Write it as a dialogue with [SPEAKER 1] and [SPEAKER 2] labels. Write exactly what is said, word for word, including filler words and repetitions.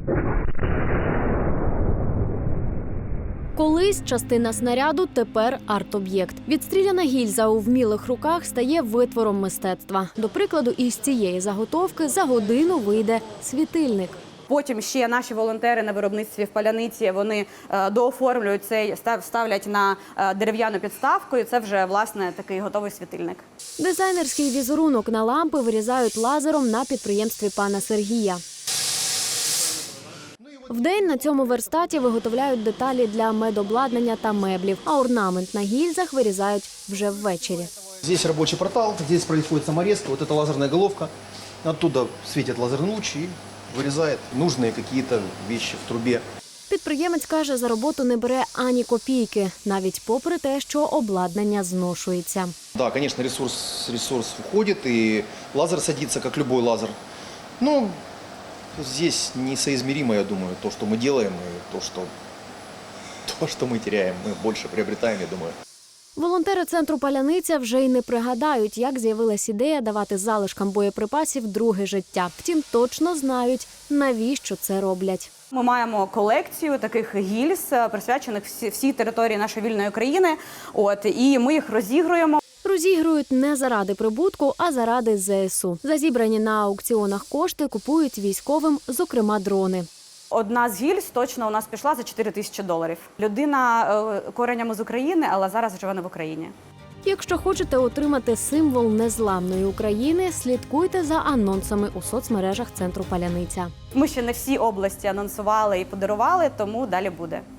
[SPEAKER 1] Колись частина снаряду, тепер арт-об'єкт. Відстріляна гільза у вмілих руках стає витвором мистецтва. До прикладу, із цієї заготовки за годину вийде світильник.
[SPEAKER 2] Потім ще наші волонтери на виробництві в паляниці, вони е, дооформлюють цей, ставлять на е, дерев'яну підставку, і це вже, власне, такий готовий світильник.
[SPEAKER 1] Дизайнерський візерунок на лампи вирізають лазером на підприємстві пана Сергія. Вдень на цьому верстаті виготовляють деталі для медобладнання та меблів, а орнамент на гільзах вирізають вже ввечері.
[SPEAKER 3] Здесь рабочий портал, здесь происходит саморезка, вот эта лазерная головка, оттуда светит лазерный луч и вырезает нужные какие-то вещи в трубе.
[SPEAKER 1] Підприємець каже, за роботу не бере ані копійки, навіть попри те, що обладнання зношується.
[SPEAKER 3] Да, конечно, ресурс, ресурс уходит, и лазер садится, как любой лазер. Но здесь несоизмеримо, я думаю, то, что мы делаем, и то, что, то, что мы теряем, мы больше приобретаем, я думаю.
[SPEAKER 1] Волонтери центру «Паляниця» вже й не пригадають, як з'явилась ідея давати залишкам боєприпасів друге життя. Втім, точно знають, навіщо це роблять.
[SPEAKER 2] Ми маємо колекцію таких гільз, присвячених всі, всій території нашої вільної країни, от, і ми їх розігруємо.
[SPEAKER 1] Розігрують не заради прибутку, а заради зе ес у. За зібрані на аукціонах кошти купують військовим, зокрема, дрони.
[SPEAKER 2] Одна з гільз точно у нас пішла за чотири тисячі доларів. Людина е, коренями з України, але зараз живе не в Україні.
[SPEAKER 1] Якщо хочете отримати символ незламної України, слідкуйте за анонсами у соцмережах центру «Паляниця».
[SPEAKER 2] Ми ще не всі області анонсували і подарували, тому далі буде.